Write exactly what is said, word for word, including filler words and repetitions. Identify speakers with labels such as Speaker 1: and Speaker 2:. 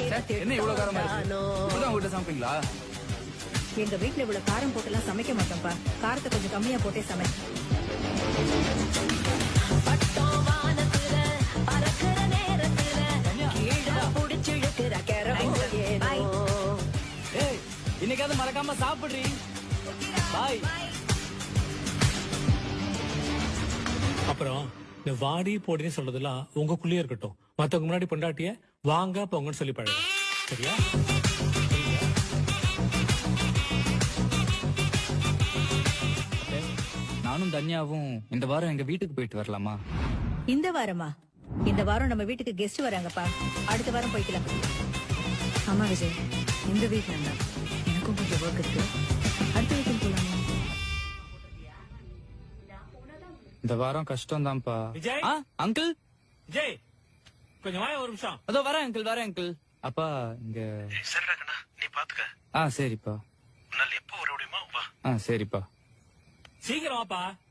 Speaker 1: என்ன இவ்வளவு காரமா இருக்கு? இப்படிதான் உங்ககிட்ட சமைப்பீங்களா?
Speaker 2: எங்க வீட்டுல இவ்வளவு காரம் போட்டுலாம் சமைக்க மாட்டோம்ப்பா. காரத்தை கொஞ்சம் கம்மியா போட்டே சமை.
Speaker 1: இன்னைக்காவது மறக்காம சாப்பிடுறீ. பாய்.
Speaker 3: அப்புறம் இந்த வாடி போடின்னு சொல்றதெல்லாம் உங்களுக்குள்ளேயே இருக்கட்டும். மத்தவங்க முன்னாடி பொண்டாட்டிய வாங்க போங்கன்னு சொல்லி பழகு. சரியா?
Speaker 1: நானும் தன்யாவும் இந்த வாரம் எங்க வீட்டுக்கு போயிட்டு வரலாமா?
Speaker 2: இந்த வாரமா? இந்த வாரம் நம்ம வீட்டுக்கு கெஸ்ட் வராங்கப்பா. அடுத்த வாரம் போய்க்கலாம். ஆமா விஜய், இந்த வீட்டுல எனக்கும் கொஞ்சம் ஒர்க் இருக்கு. அடுத்த வீட்டுக்கு போலாமா?
Speaker 1: இந்த வாரம் கஷ்டம் தான்ப்பா.
Speaker 3: விஜய்
Speaker 1: அங்கிள்.
Speaker 3: விஜய் கொஞ்சம் வாய ஒரு நிமிஷம்.
Speaker 1: அதோ வரேன் அங்கிள், வரேன் அங்கிள். அப்பா இங்க
Speaker 4: சரிடா கண்ணா, நீ பாத்துக்க.
Speaker 1: ஆ சரிப்பா.
Speaker 4: உன்னால எப்போ வர முடியுமா வா.
Speaker 1: ஆ சரிப்பா.
Speaker 3: சீக்கிரம் வாப்பா.